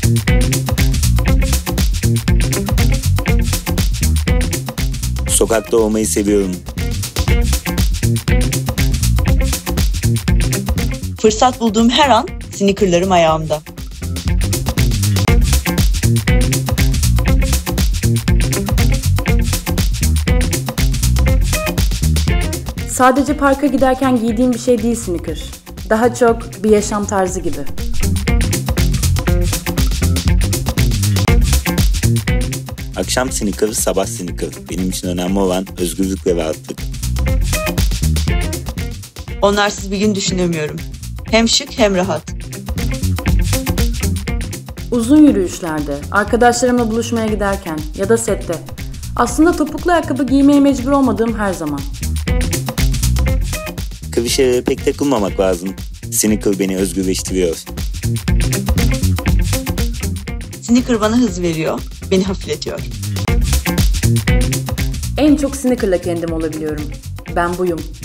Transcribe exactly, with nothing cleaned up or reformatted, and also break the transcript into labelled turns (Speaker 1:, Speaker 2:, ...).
Speaker 1: Sokakta olmayı seviyorum.
Speaker 2: Fırsat bulduğum her an sneakerlarım ayağımda.
Speaker 3: Sadece parka giderken giydiğim bir şey değil sneaker. Daha çok bir yaşam tarzı gibi.
Speaker 1: Akşam sneaker, sabah sneaker. Benim için önemli olan özgürlük ve rahatlık.
Speaker 2: Onlarsız bir gün düşünemiyorum. Hem şık hem rahat.
Speaker 3: Uzun yürüyüşlerde, arkadaşlarımla buluşmaya giderken ya da sette. Aslında topuklu ayakkabı giymeye mecbur olmadığım her zaman.
Speaker 1: Klişelere pek takılmamak lazım. Sneaker beni özgürleştiriyor.
Speaker 2: Sneaker bana hız veriyor, beni hafifletiyor.
Speaker 3: En çok sneakerla kendim olabiliyorum. Ben buyum.